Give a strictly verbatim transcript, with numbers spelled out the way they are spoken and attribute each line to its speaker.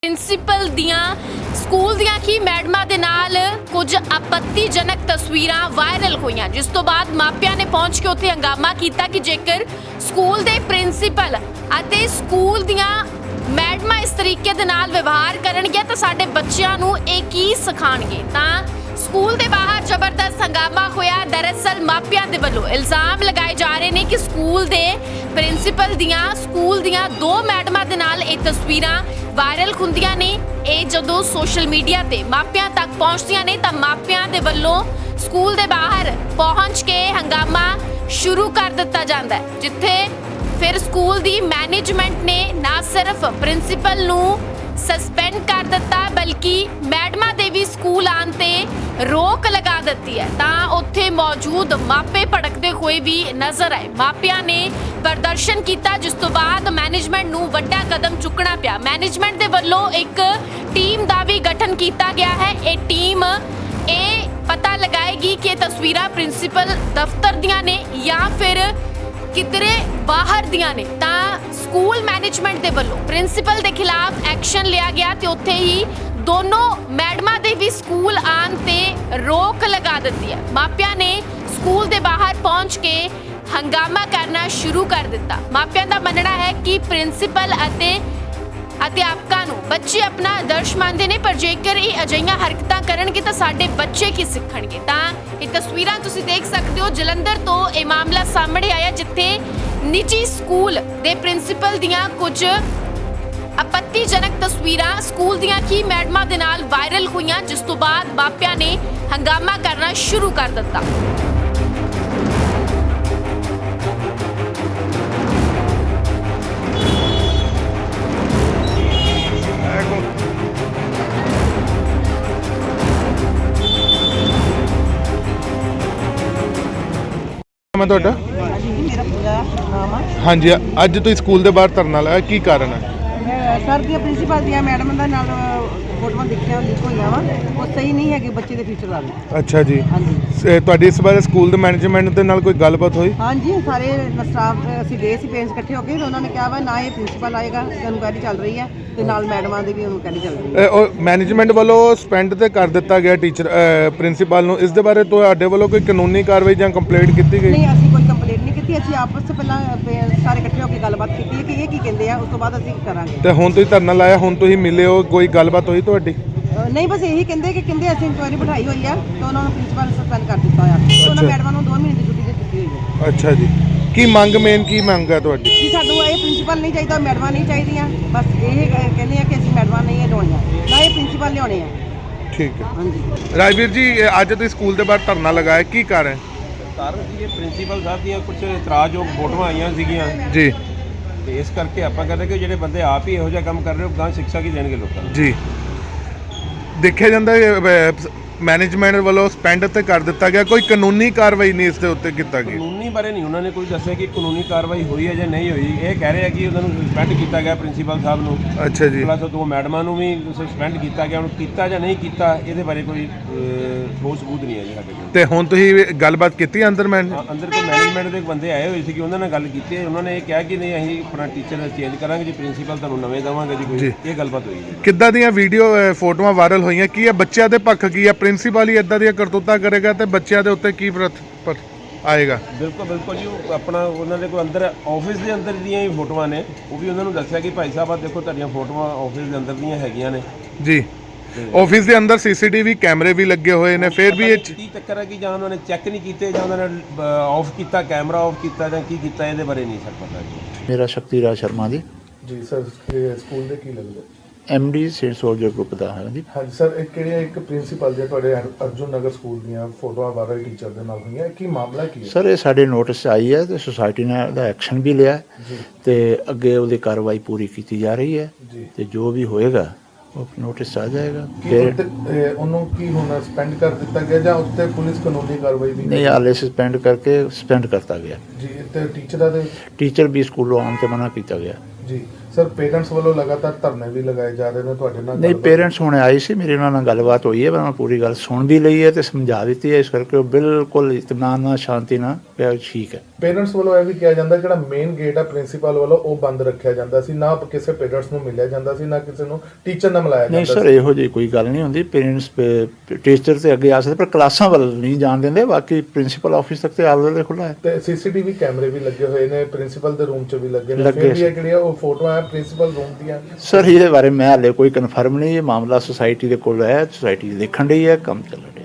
Speaker 1: Principal ਦੀਆਂ school ਦੀਆਂ ਹੀ ਮੈਡਮਾਂ ਦੇ ਨਾਲ ਕੁਝ ਆਪੱਤੀਜਨਕ ਤਸਵੀਰਾਂ ਵਾਇਰਲ ਹੋਈਆਂ, ਜਿਸ ਤੋਂ ਬਾਅਦ ਮਾਪਿਆਂ ਨੇ ਪਹੁੰਚ ਕੇ ਉੱਥੇ ਹੰਗਾਮਾ ਕੀਤਾ ਕਿ ਜੇਕਰ ਸਕੂਲ ਦੇ ਪ੍ਰਿੰਸੀਪਲ ਅਤੇ ਸਕੂਲ ਦੀਆਂ ਮੈਡਮਾਂ ਇਸ ਤਰੀਕੇ ਦੇ ਨਾਲ ਵਿਵਹਾਰ ਕਰਨਗੇ ਤਾਂ ਸਾਡੇ ਬੱਚਿਆਂ ਨੂੰ ਇਹ ਕੀ ਸਿਖਾਣਗੇ। ਤਾਂ ਸਕੂਲ ਦੇ ਬਾਹਰ ਜ਼ਬਰਦਸਤ ਹੰਗਾਮਾ ਹੋਇਆ। ਦਰਅਸਲ ਮਾਪਿਆਂ ਦੇ ਵੱਲੋਂ ਇਲਜ਼ਾਮ ਲਗਾਏ ਜਾ ਰਹੇ ਨੇ ਕਿ ਸਕੂਲ ਦੇ ਪ੍ਰਿੰਸੀਪਲ ਦੀਆਂ ਸਕੂਲ ਦੀਆਂ ਦੋ ਮੈਡਮਾਂ ਦੇ ਨਾਲ ਇਹ ਤਸਵੀਰਾਂ ਵਾਇਰਲ ਹੁੰਦੀਆਂ ਨੇ। ਇਹ ਜਦੋਂ ਸੋਸ਼ਲ ਮੀਡੀਆ ਤੇ ਮਾਪਿਆਂ ਤੱਕ ਪਹੁੰਚਦੀਆਂ ਨੇ ਤਾਂ ਮਾਪਿਆਂ ਦੇ ਵੱਲੋਂ ਸਕੂਲ ਦੇ ਬਾਹਰ ਪਹੁੰਚ ਕੇ ਹੰਗਾਮਾ ਸ਼ੁਰੂ ਕਰ ਦਿੱਤਾ ਜਾਂਦਾ ਹੈ, ਜਿੱਥੇ ਫਿਰ ਸਕੂਲ ਦੀ ਮੈਨੇਜਮੈਂਟ ਨੇ ਨਾ ਸਿਰਫ ਪ੍ਰਿੰਸੀਪਲ ਨੂੰ ਸਸਪੈਂਡ ਕਰ ਦਿੱਤਾ ਬਲਕਿ ਮੈਡਮਾਂ ਦੇ ਵੀ ਸਕੂਲ ਆਉਣ ਤੇ ਰੋਕ ਲਗਾ ਦਿੱਤੀ ਹੈ। ਤਾਂ ਉੱਥੇ ਮੌਜੂਦ ਮਾਪੇ ਭੜਕਦੇ ਹੋਏ ਵੀ ਨਜ਼ਰ ਆਏ। ਮਾਪਿਆਂ ਨੇ ਪ੍ਰਦਰਸ਼ਨ ਕੀਤਾ, ਜਿਸ ਤੋਂ ਬਾਅਦ ਮੈਨੇਜਮੈਂਟ ਨੂੰ ਵੱਡਾ ਕਦਮ ਚੁੱਕਣਾ ਪਿਆ। ਮੈਨੇਜਮੈਂਟ ਦੇ ਵੱਲੋਂ ਇੱਕ ਟੀਮ ਦਾ ਵੀ ਗਠਨ ਕੀਤਾ ਗਿਆ ਹੈ। ਇਹ ਟੀਮ ਇਹ ਪਤਾ ਲਗਾਏਗੀ ਕਿ ਤਸਵੀਰਾਂ ਪ੍ਰਿੰਸੀਪਲ ਦਫ਼ਤਰ ਦੀਆਂ ਨੇ ਜਾਂ ਫਿਰ ਕਿਧਰੇ ਬਾਹਰ ਦੀਆਂ ਨੇ। ਤਾਂ ਸਕੂਲ ਮੈਨੇਜਮੈਂਟ ਦੇ ਵੱਲੋਂ ਪ੍ਰਿੰਸੀਪਲ ਦੇ ਖਿਲਾਫ ਐਕਸ਼ਨ ਲਿਆ ਗਿਆ ਤੇ ਉੱਥੇ ਹੀ ਦੋਨੋਂ ਮੈਡਮਾਂ ਦੇ ਵੀ ਸਕੂਲ ਆਉਣ ਤੇ ਰੋਕ ਲਗਾ ਦਿੱਤੀ ਹੈ। ਮਾਪਿਆਂ ਨੇ ਸਕੂਲ ਦੇ ਬਾਹਰ ਪਹੁੰਚ ਕੇ ਹੰਗਾਮਾ ਕਰਨਾ ਸ਼ੁਰੂ ਕਰ ਦਿੱਤਾ। ਮਾਪਿਆਂ ਦਾ ਮੰਨਣਾ ਹੈ ਕਿ ਪ੍ਰਿੰਸੀਪਲ ਅਤੇ ਅਧਿਆਪਕਾਂ ਨੂੰ ਬੱਚੇ ਆਪਣਾ ਆਦਰਸ਼ ਮੰਨਦੇ ਨੇ, ਪਰ ਜੇਕਰ ਇਹ ਅਜਿਹੀਆਂ ਹਰਕਤਾਂ ਕਰਨਗੇ ਤਾਂ ਸਾਡੇ ਬੱਚੇ ਕੀ ਸਿੱਖਣਗੇ। ਤਾਂ ਇਹ ਤਸਵੀਰਾਂ ਤੁਸੀਂ ਦੇਖ ਸਕਦੇ ਹੋ, ਜਲੰਧਰ ਤੋਂ ਇਹ ਮਾਮਲਾ ਸਾਹਮਣੇ ਆਇਆ, ਜਿੱਥੇ ਨਿੱਜੀ ਸਕੂਲ ਦੇ ਪ੍ਰਿੰਸੀਪਲ ਦੀਆਂ ਕੁਝ ਆਪੱਤੀਜਨਕ ਤਸਵੀਰਾਂ ਸਕੂਲ ਦੀਆਂ ਹੀ ਮੈਡਮਾਂ ਦੇ ਨਾਲ ਵਾਇਰਲ ਹੋਈਆਂ, ਜਿਸ ਤੋਂ ਬਾਅਦ ਮਾਪਿਆਂ ਨੇ ਹੰਗਾਮਾ ਕਰਨਾ ਸ਼ੁਰੂ ਕਰ ਦਿੱਤਾ।
Speaker 2: ਮੈਂ ਤੁਹਾਡਾ
Speaker 3: ਮੇਰਾ ਪੂਰਾ ਨਾਮ ਆ।
Speaker 2: ਹਾਂਜੀ, ਅੱਜ ਤੁਸੀਂ ਸਕੂਲ ਦੇ ਬਾਹਰ ਧਰਨਾ ਲਾਇਆ, ਕੀ ਕਾਰਨ ਹੈ?
Speaker 3: ਮੈਂ ਸਰ ਦੀਆਂ ਪ੍ਰਿੰਸੀਪਲ ਦੀਆਂ ਮੈਡਮ ਦਾ ਨਾਲ ਫੋਟੋਆਂ ਦੇਖੀਆਂ ਲੀਕ ਹੋਈਆਂ ਵਾ, ਉਹ ਸਹੀ ਨਹੀਂ ਹੈਗੇ ਬੱਚੇ ਦੇ ਫਿਊਚਰ ਵਾਲੇ।
Speaker 2: ਅੱਛਾ ਜੀ,
Speaker 3: ਹਾਂਜੀ
Speaker 2: ਸ- ਤੁਹਾਡੀ ਇਸ ਬਾਰੇ ਸਕੂਲ ਦੇ ਮੈਨੇਜਮੈਂਟ ਦੇ ਨਾਲ ਕੋਈ ਗੱਲਬਾਤ ਹੋਈ?
Speaker 3: ਹਾਂਜੀ ਸਾਰੇ ਸਟਾਫ ਅਸੀਂ ਗਏ ਸੀ ਪੇਰੈਂਟਸ ਇਕੱਠੇ ਹੋ ਕੇ, ਤੇ ਉਹਨਾਂ ਨੇ ਕਿਹਾ ਵਾ ਨਾ ਇਹ ਪ੍ਰਿੰਸੀਪਲ ਆਏਗਾ, ਇਨਕੁਆਇਰੀ ਚੱਲ ਰਹੀ ਹੈ ਤੇ ਨਾਲ ਮੈਡਮਾਂ ਦੀ ਵੀ ਇਨਕੁਆਇਰੀ ਚੱਲ ਰਹੀ ਹੈ।
Speaker 2: ਇਹ ਉਹ ਮੈਨੇਜਮੈਂਟ ਵੱਲੋਂ ਸਸਪੈਂਡ ਤੇ ਕਰ ਦਿੱਤਾ ਗਿਆ ਟੀਚਰ ਪ੍ਰਿੰਸੀਪਲ ਨੂੰ। ਇਸ ਦੇ ਬਾਰੇ ਤੁਹਾਡੇ ਵੱਲੋਂ ਕੋਈ ਕਾਨੂੰਨੀ ਕਾਰਵਾਈ ਜਾਂ ਕੰਪਲੇਂਟ ਕੀਤੀ ਗਈ?
Speaker 3: ਨਹੀਂ, ਅਸੀਂ ਕੋਈ ਕੰਪਲੇਂਟ ਨਹੀਂ ਕੀਤੀ। ਅਸੀਂ ਆਪਸ ਵਿੱਚ ਪਹਿਲਾਂ parents ਸਾਰੇ ਇਕੱਠੇ ਹੋ ਕੇ ਗੱਲਬਾਤ ਕੀਤੀ ਹੈ ਕਿ ਇਹ ਕੀ ਕਹਿੰਦੇ ਆ, ਉਸ ਤੋਂ ਬਾਅਦ ਅਸੀਂ ਕਰਾਂਗੇ।
Speaker 2: ਤੇ ਹੁਣ ਤੁਸੀਂ ਧਰਨਾ ਲਾਇਆ, ਹੁਣ ਤੁਸੀਂ ਮਿਲੇ ਹੋ, ਕੋਈ ਗੱਲਬਾਤ ਹੋਈ ਤੁਹਾਡੀ?
Speaker 3: ਅ, ਨਹੀਂ, ਬਸ ਇਹੀ ਕਹਿੰਦੇ ਕਿ ਕਹਿੰਦੇ ਅਸੀਂ ਇਨਕੁਆਇਰੀ ਬਿਠਾਈ ਹੋਈ ਆ ਤੇ ਉਹਨਾਂ ਨੂੰ ਪ੍ਰਿੰਸੀਪਲ ਨੇ ਸਸਪੈਂਡ ਕਰ ਦਿੱਤਾ ਹੋਇਆ ਤੇ ਉਹਨਾਂ
Speaker 2: ਅੱਛਾ।
Speaker 3: ਮੈਡਮਾਂ ਨੂੰ ਦੋ ਮਹੀਨੇ ਦੀ ਛੁੱਟੀ ਦੇ ਦਿੱਤੀ ਹੋਈ ਹੈ।
Speaker 2: ਅੱਛਾ ਜੀ, ਕੀ ਮੰਗ ਮੇਨ ਕੀ ਮੰਗ ਹੈ ਤੁਹਾਡੀ?
Speaker 3: ਕਿ ਸਾਨੂੰ ਇਹ ਪ੍ਰਿੰਸੀਪਲ ਨਹੀਂ ਚਾਹੀਦਾ, ਮੈਡਮਾਂ ਨਹੀਂ ਚਾਹੀਦੀਆਂ। ਬਸ ਇਹ ਕ- ਕਹਿੰਦੇ ਆ ਕਿ ਅਸੀਂ ਮੈਡਮਾਂ ਨਹੀਂ ਲਿਆਉਣੀਆਂ, ਨਾ ਇਹ ਪ੍ਰਿੰਸੀਪਲ ਲਿਆਉਣੇ ਆ।
Speaker 2: ਠੀਕ ਹੈ।
Speaker 3: ਹਾਂਜੀ
Speaker 2: ਰਾਜਵੀਰ ਜੀ, ਇਹ ਅੱਜ ਤੁਸੀਂ ਸਕੂਲ ਦੇ ਬਾਹਰ ਧਰਨਾ ਲਗਾਇਆ, ਕੀ ਕਾਰਨ?
Speaker 4: ਕਾਰਨ ਸੀ ਇਹ ਪ੍ਰਿੰਸੀਪਲ ਸਾਹਿਬ ਦੀਆਂ ਕੁਝ ਇਤਰਾਜ਼ਯੋਗ ਫੋਟੋਆਂ ਆਈਆਂ ਸੀਗੀਆਂ
Speaker 2: ਜੀ
Speaker 4: ਤੇ ਇਸ ਕਰਕੇ ਆਪਾਂ ਕਹਿੰਦੇ ਕਿ ਜਿਹੜੇ ਬੰਦੇ ਆਪ ਹੀ ਇਹੋ ਜਿਹਾ ਕੰਮ ਕਰ ਰਹੇ ਹੋ, ਗਾਂ ਸਿੱਖਿਆ ਕੀ ਦੇਣਗੇ ਲੋਕਾਂ ਨੂੰ।
Speaker 2: ਜੀ, ਦੇਖਿਆ ਜਾਂਦਾ ਮੈਨੇਜਮੈਂਟ ਵੱਲੋਂ ਸਸਪੈਂਡ ਤੇ ਕਰ ਦਿੱਤਾ ਗਿਆ, ਕੋਈ ਕਾਨੂੰਨੀ ਕਾਰਵਾਈ ਨਹੀਂ ਇਸ ਦੇ ਉੱਤੇ ਕੀਤਾ ਗਿਆ।
Speaker 4: ਕਾਨੂੰਨੀ ਬਾਰੇ ਨਹੀਂ ਉਹਨਾਂ ਨੇ ਕੋਈ ਦੱਸਿਆ ਕਿ ਕਾਨੂੰਨੀ ਕਾਰਵਾਈ ਹੋਈ ਹੈ ਜਾਂ ਨਹੀਂ ਹੋਈ। ਇਹ ਕਹਿ ਰਹੇ ਆ ਕਿ ਉਹਨਾਂ ਨੂੰ ਸਸਪੈਂਡ ਕੀਤਾ ਗਿਆ ਪ੍ਰਿੰਸੀਪਲ ਸਾਹਿਬ ਨੂੰ,
Speaker 2: ਅੱਛਾ ਜੀ,
Speaker 4: ਪਲੱਸ ਦੋ ਮੈਡਮਾਂ ਨੂੰ ਵੀ ਸਸਪੈਂਡ ਕੀਤਾ ਗਿਆ। ਹੁਣ ਕੀਤਾ ਜਾਂ ਨਹੀਂ ਕੀਤਾ ਇਹਦੇ ਬਾਰੇ ਕੋਈ ਅਹ, ਠੋਸ ਸਬੂਤ ਨਹੀਂ ਹੈ ਜੀ ਸਾਡੇ ਕੋਲ।
Speaker 2: ਤੇ ਹੁਣ ਤੁਸੀਂ ਗੱਲਬਾਤ ਕੀਤੀ ਅੰਦਰ ਮੈਂ?
Speaker 4: ਹਾਂ, ਅੰਦਰ ਕੋਈ ਮੈਨੇਜਮੈਂਟ ਦੇ ਬੰਦੇ ਆਏ ਹੋਏ ਸੀ ਕਿ ਉਹਨਾਂ ਨਾਲ ਗੱਲ ਕੀਤੀ ਹੈ। ਉਹਨਾਂ ਨੇ ਇਹ ਕਿਹਾ ਕਿ ਨਹੀਂ ਅਸੀਂ ਆਪਣਾ ਟੀਚਰ ਚੇਂਜ ਕਰਾਂਗੇ ਜੀ, ਪ੍ਰਿੰਸੀਪਲ ਤੁਹਾਨੂੰ ਨਵੇਂ ਦੇਵਾਂਗੇ ਜੀ। ਕੋਈ ਇਹ ਗੱਲਬਾਤ ਹੋਈ ਜੀ।
Speaker 2: ਕਿੱਦਾਂ ਦੀਆਂ ਵੀਡੀਓ ਫੋਟੋਆਂ ਵਾਇਰਲ ਹੋਈਆਂ, ਕੀ ਹੈ ਬੱਚਿਆਂ ਦੇ ਪੱਖ ਕੀ ਹੈ? ਪ੍ਰਿੰਸੀਪਲ ਹੀ ਇਦਾਂ ਦੀਆਂ ਕਰਤੂਤਾਂ ਕਰੇਗਾ ਤੇ ਬੱਚਿਆਂ ਦੇ ਉੱਤੇ ਕੀ ਪ੍ਰਤ ਪਰ ਆਏਗਾ?
Speaker 4: ਬਿਲਕੁਲ ਬਿਲਕੁਲ ਜੀ, ਉਹ ਆਪਣਾ ਉਹਨਾਂ ਦੇ ਕੋਲ ਅੰਦਰ ਆਫਿਸ ਦੇ ਅੰਦਰ ਦੀਆਂ ਹੀ ਫੋਟੋਆਂ ਨੇ। ਉਹ ਵੀ ਉਹਨਾਂ ਨੂੰ ਦੱਸਿਆ ਕਿ ਭਾਈ ਸਾਹਿਬ ਆ ਦੇਖੋ ਤੁਹਾਡੀਆਂ ਫੋਟੋਆਂ ਆਫਿਸ ਦੇ ਅੰਦਰ ਦੀਆਂ ਹੈਗੀਆਂ ਨੇ
Speaker 2: ਜੀ। ਆਫਿਸ ਦੇ ਅੰਦਰ ਸੀਸੀਟੀਵੀ ਕੈਮਰੇ ਵੀ ਲੱਗੇ ਹੋਏ ਨੇ, ਫਿਰ ਵੀ ਇਹ 'ਚ-
Speaker 4: ਕੀ ਚੱਕਰ ਹੈ ਕਿ ਜਾਂ ਉਹਨਾਂ ਨੇ ਚੈੱਕ ਨਹੀਂ ਕੀਤੇ ਜਾਂ ਉਹਨਾਂ ਨੇ ਆਫ ਕੀਤਾ, ਕੈਮਰਾ ਆਫ ਕੀਤਾ ਜਾਂ ਕੀ ਕੀਤਾ, ਇਹਦੇ ਬਾਰੇ ਨਹੀਂ ਸਰ ਪਤਾ ਜੀ।
Speaker 5: ਮੇਰਾ ਸ਼ਕਤੀ ਰਾਜ ਸ਼ਰਮਾ ਜੀ,
Speaker 2: ਜੀ ਸਰ, ਸਕੂਲ ਦੇ ਕੀ ਲੱਗਦਾ?
Speaker 5: M D saint soldier group ਦਾ ਹਾਂ ਜੀ।
Speaker 2: ਹਾਂਜੀ ਸਰ, ਇਹ ਕਿਹੜੀਆਂ ਇੱਕ ਪ੍ਰਿੰਸੀਪਲ ਦੇ ਤੁਹਾਡੇ ਅਰਜੁਨ ਨਗਰ ਸਕੂਲ ਦੀਆਂ ਫੋਟੋਆਂ ਵਾਇਰਲ ਟੀਚਰ ਦੇ ਨਾਲ ਹੋਈਆਂ, ਕੀ ਮਾਮਲਾ ਕੀ ਹੈ?
Speaker 5: ਸਰ ਇਹ ਸਾਡੇ ਨੋਟਿਸ 'ਚ ਆਈ ਹੈ ਤੇ ਸੁਸਾਇਟੀ ਨੇ ਉਹਦਾ ਐਕਸ਼ਨ ਵੀ ਲਿਆ
Speaker 2: ਜੀ
Speaker 5: ਤੇ ਅੱਗੇ ਉਹਦੀ ਕਾਰਵਾਈ ਪੂਰੀ ਕੀਤੀ ਜਾ ਰਹੀ ਹੈ
Speaker 2: ਜੀ,
Speaker 5: ਤੇ ਜੋ ਵੀ ਹੋਏਗਾ ਉਹ ਨੋਟਿਸ 'ਚ ਆ ਜਾਏਗਾ।
Speaker 2: ਕੀ
Speaker 5: ਫਿਰ
Speaker 2: ਉੱਤੇ, ਇਹ, ਉਹਨੂੰ ਕੀ ਹੁਣ ਸਸਪੈਂਡ ਕਰ ਦਿੱਤਾ ਗਿਆ ਜਾਂ ਉੱਤੇ ਪੁਲਿਸ ਕਾਨੂੰਨੀ ਕਾਰਵਾਈ ਵੀ?
Speaker 5: ਨਹੀਂ, ਹਾਲੇ ਸਸਪੈਂਡ ਕਰਕੇ ਸਸਪੈਂਡ ਕਰਤਾ ਗਿਆ।
Speaker 2: ਜੀ, ਤੇ ਟੀਚਰਾਂ ਦੇ
Speaker 5: ਟੀਚਰ ਵੀ ਸਕੂਲੋਂ ਆਉਣ ਤੇ ਮਨਾ ਕੀਤਾ ਗਿਆ।
Speaker 2: ਜੀ ਸਰ, ਪੇਰੈਂਟਸ ਵੱਲੋਂ ਲਗਾਤਾਰ ਧਰਨੇ ਵੀ ਲਗਾਏ ਜਾ ਰਹੇ ਨੇ, ਤੁਹਾਡੇ ਨਾਲ
Speaker 5: ਨਹੀਂ,
Speaker 2: ਗੱਲਬਾਤ-
Speaker 5: ਪੇਰੈਂਟਸ ਹੁਣ ਆਏ ਸੀ, ਮੇਰੇ ਉਹਨਾਂ ਨਾਲ ਗੱਲਬਾਤ ਹੋਈ ਹੈ, ਮੈਂ ਪੂਰੀ ਗੱਲ ਸੁਣ ਵੀ ਲਈ ਹੈ ਤੇ ਸਮਝਾ ਦਿੱਤੀ ਹੈ, ਇਸ ਕਰਕੇ ਉਹ ਬਿਲਕੁਲ ਇਤਮਾਨ ਨਾਲ ਸ਼ਾਂਤੀ ਨਾਲ ਕਿਹਾ ਠੀਕ ਹੈ।
Speaker 2: ਪੇਰੈਂਟਸ ਵੱਲੋਂ ਇਹ ਵੀ ਕਿਹਾ ਜਾਂਦਾ ਜਿਹੜਾ ਮੇਨ ਗੇਟ ਆ ਪ੍ਰਿੰਸੀਪਲ ਵੱਲੋਂ ਉਹ ਬੰਦ ਰੱਖਿਆ ਜਾਂਦਾ ਸੀ, ਨਾ ਕਿਸੇ ਪੇਰੈਂਟਸ ਨੂੰ ਮਿਲਿਆ ਜਾਂਦਾ ਸੀ, ਨਾ ਕਿਸੇ ਨੂੰ ਟੀਚਰ ਨਾਲ ਮਿਲਾਇਆ
Speaker 5: ਨਹੀਂ
Speaker 2: ਜਾਂਦਾ
Speaker 5: ਸਰ, ਇਹੋ ਜਿਹੀ ਕੋਈ ਗੱਲ ਨਹੀਂ ਹੁੰਦੀ। ਪੇਰੈਂਟਸ ਟੀਚਰ ਤੇ ਅੱਗੇ ਆ ਸਕਦੇ, ਪਰ ਕਲਾਸਾਂ ਵੱਲ ਨਹੀਂ ਜਾਣ ਦਿੰਦੇ। ਬਾਕੀ ਪ੍ਰਿੰਸੀਪਲ ਆਫਿਸ ਤੱਕ ਤੇ ਆਲ ਵੇਲੇ ਖੁੱਲ੍ਹਾ ਹੈ।
Speaker 2: ਤੇ ਸੀਸੀਟੀਵੀ ਕੈਮਰੇ ਵੀ ਲੱਗੇ ਹੋਏ ਨੇ, ਪ੍ਰਿੰਸੀਪਲ ਦੇ ਰੂਮ 'ਚ ਵੀ ਲੱਗੇ ਨੇ,
Speaker 5: ਲੱਗੇ
Speaker 2: ਫਿਰ ਵੀ
Speaker 5: ਸੀ।
Speaker 2: ਇਹ ਜਿਹੜੀਆਂ ਉਹ ਫੋਟੋਆਂ ਆ ਪ੍ਰਿੰਸੀਪਲ ਰੂਮ ਦੀਆਂ।
Speaker 5: ਸਰ ਇਹਦੇ ਬਾਰੇ ਮੈਂ ਹਾਲੇ ਕੋਈ ਕਨਫਰਮ ਨਹੀਂ, ਇਹ ਮਾਮਲਾ ਸੁਸਾਇਟੀ ਦੇ ਕੋਲ ਹੈ, ਸੁਸਾਇਟੀ ਦੇਖਣ ਡਈ ਹੈ, ਕੰਮ ਚੱਲ ਰਿਹਾ।